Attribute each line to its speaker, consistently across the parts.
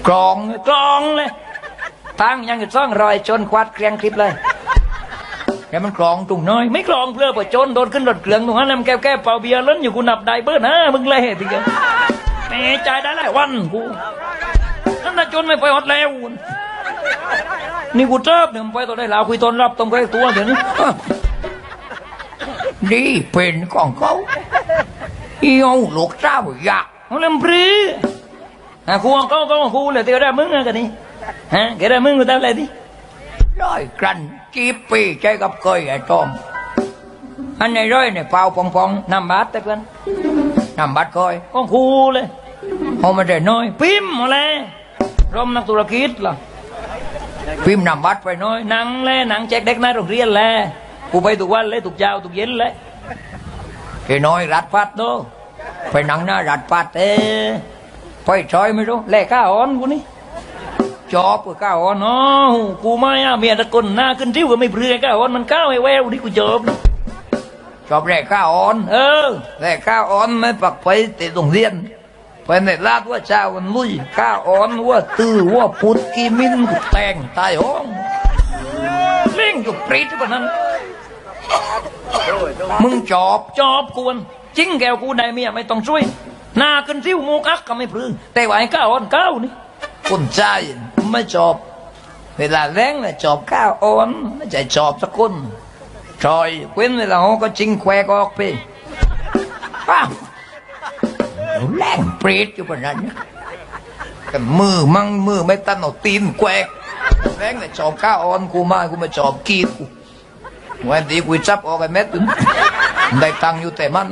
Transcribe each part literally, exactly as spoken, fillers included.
Speaker 1: กรองกรองเลยตั้งยังจะซ่องรอยจนควัดเกลียงคลิปเลยแต่มันกรองตรงน้อยไม่กรองเพื่อประจนโดนขึ้นรถเกลืองตรงนั้นแล้วแก้วแก้เป่าเบียร์ล้นอยู่กูนับได้เบิ้ลนะมึงเลยทีเดียวแม่ใจได้หลายวันกูนั่นน่ะจนไม่ไปฮอดแล้วนี่กูเจ็บเนี่ยไปตัวได้ลาวคุยตอนรับต้องไปตัวเดี๋ยวนี้ดีเป็นของเขาเอี้ยวลูกเจ้าอยากเขาเล่นปรีอ่ะกูเขาเขากูเลยเตียวได้มึงอะกันนี่ฮะแกได้มึงกูทำอะไรดิร้อยกรันจีบปีใจกับเคยไอ้ต้อมอันไหนร้อยเนี่ยเปล่าปองปองน้ำบัดแต่เพื่อนน้ำบัดคอยก็คูเลยเขาไม่ได้น้อยพิมพ์มาเลยร่มนักธุรกิจล่ะพิมพ์น้ำบัดไปน้อยหนังเลยหนังแจกเด็กในโรงเรียนเลยกูไปทุกวันเลยทุกเช้าทุกเย็นเลยไอ้น้อยรัดพัดโตไปหนังหน้ารัดพัดเอ้ไปชอยไม่รู้แลกข้าอ่อนกูนี่จอบกับข้าอ่อนอ๋อกูไม่อะเมียตะกนหน้าขึ้นทิ้วก็ไม่เปลือยข้าอ่อนมันข้าวไอ้แววนี่กูจอบจอบแลกข้าอ่อนเออแลกข้าอ่อนไม่ปักไปติดโรงเรียนไปในลาดว่าเช้าวันลุยข้าอ่อนว่าตื้อว่าปุดกีมินกูแต่งตายห้องเล่งอยู่ปรีดกว่านั้นมึงจอบจอบกวนจริงแกวกูได้เมียไม่ต้องช่วยหน้าขึ้นซิ้วมูกักก็ไม่พลือแต่ว่าไอ้ก้าวอ่อนก้าวนี่คนใจไม่จอบเวลาแรงเลยจอบก้าวอ่อนไม่ใช่จอบสักคนชอยเว้นเวลาเขาก็จริงแควกออกไปป้าแรงเปรตอยู่บนนั้นกันมือมั่งมือไม่ตันเอาตีนแควกแรงเลยจอบก้าวอ่อนกูมากูมาจอบกีดกูวันที่กูจับออกไอ้เม็ดได้ตังอยู่แต่มัน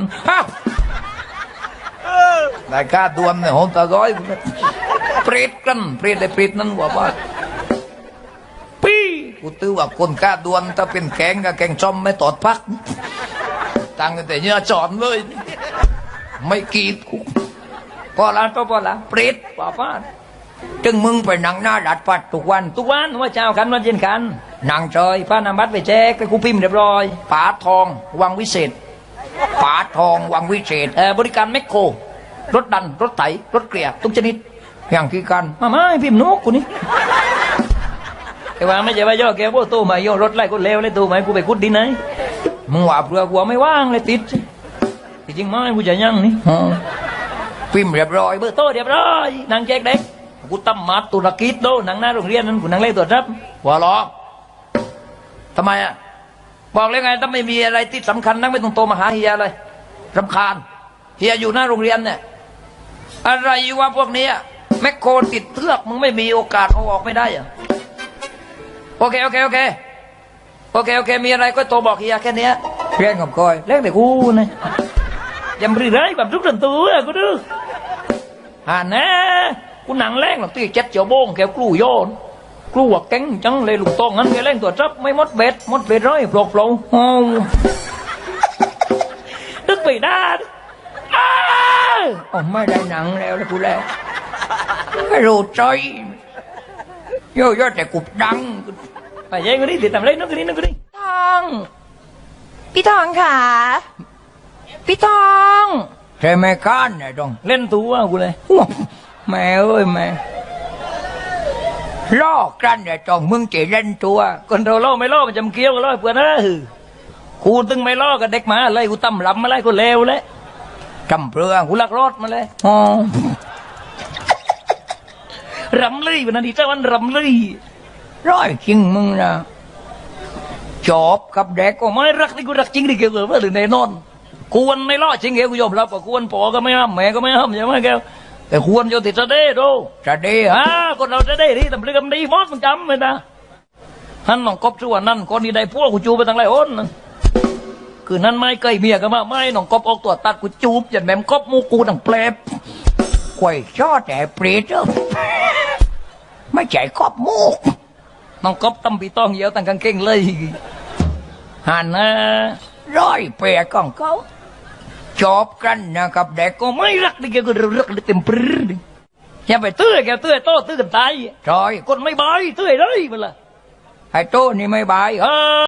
Speaker 1: ได้ค่าดวมเนี่ยหงตาร้อยเปรตกันเปรตได้เปรตนั้นว่าว่าปีกูตื้อว่าคนค่าดวมถ้าเป็นแกงกับแกงจอมไม่ตอดพักตังแต่เนื้อจอมเลยไม่กีดกูพอละก็พอละเปรตว่าว่าจึงมึงไปนั่งหน้าดัดปัดทุกวันทุกวันว่าเช้ากันวันเย็นกันนั่งจอยพระนามบัตรไปแจกไปกูพิมพ์เรียบร้อยปาทองวังวิเศษปาทองวังวิเศษเออบริการแมคโครรถดันรถไถรถเกลียทุกชนิดอย่างที่กันมาไม่พิมพ์นกกูนี่แต่ว่าไม่ใช่ว่าย่อแกพวกตู้มาย่อรถไล่กูเลวเลยตู้มากูไปคุดดินไหนมึงว่าเปลือกหัวไม่ว่างเลยติดจริงไหมกูจะยั่งนี่พิมพ์เรียบร้อยเบอร์โต้เรียบร้อยนั่งแจกเด็กกูตั้มมัดตุรกิจโดนั่งหน้าโรงเรียนนั้นกูนั่งเล่นตัวรับหัวล้อทำไมอ่ะบอกเลยไงถ้าไม่มีอะไรที่สำคัญนักไม่ต้องโตมาหาเฮียเลยรำคาญเฮียอยู่หน้าโรงเรียนเนี่ยอะไรวะพวกนี้แมคโครติดเทือกมึงไม่มีโอกาสเอาออกไม่ได้อ่ะโอเคโอเคโอเคโอเคโอเคมีอะไรก็โตบอกเฮียแค่นี้เรียนกับคอยเล่นแต่กูนะยำรีไรแบบทุกส่วนตัวกูดูอ่านะกูหนังแรงหรอกตีเจ็ดเจียวโบงแกกลู่โยนกลัวแก๊งจังเลยลูกตองงั้นแกเล่นตัวจับไม่มดเบ็ดมดเบ็ดร้อยปลอกปลอกโอ้ดึกไปได้อ้าวไม่ได้หนังแล้วเลยกูแล้วไม่รู้ใจโย่โย่แต่กูดังไปยัยกูนี่ติดตามเล่นนึกกูนี่นึกกูนี่
Speaker 2: ทองพี่ทองค่ะพี่ทอง
Speaker 1: ใช่ไหมก้านเนี่ยต้องเล่นตัวกูเลยแม่เอ้ยแม่ล่อกันเนี่ยจองมึงจะเล่นตัวคนเราล่อไม่ล่อมันจำเกี้ยวกันล่อเพื่อนนะกูตึงไม่ล่อกับเด็กมาอะไรกูตั้มลำมาอะไรกูเลวเลยจำเปลืองกูลักรอดมาเลยอ๋อรำเลยวันนั้นที่เจ้าวันรำเลยร้อยจริงมึงนะจบกับเด็กก็ไม่รักที่กูรักจริงดิเกี่ยวกับว่าหรือในนอนกูวันไม่ล่อจริงเกี่ยวกูยอมรับว่ากูวันปอก็ไม่ห้ามแม่ก็ไม่ห้ามใช่ไหมแกแต่ควรจะติดจะได้ดูจะได้ฮะคนเราจะได้ดีแต่เรื่องดีมอสมันจำเลยนะฮันน้องกบชั่วนั่นคนนี้ได้พวกกูจูไปตั้งหลายคนคือนั่นไม่เคยเมียกันมาไม่น้องกบออกตัวตัดกูจูบอย่างแม่มกบมูกูดังเปลบควยชอแต่เปรตเจ้าไม่ใจกบมูกน้องกบตั้มปีต้องเยอะตั้งกางเกงเลยหันนะร้อยเปรตของเขาจบกันนะครับเด็กก็ไม่รักดิแกก็รักดิเต็มปรื้ดอย่าไปตื้อแกตื้อโต้ตื้อกันตายจอยคนไม่บายตื้อเลยมันละไอ้โต้นี่ไม่บายเออ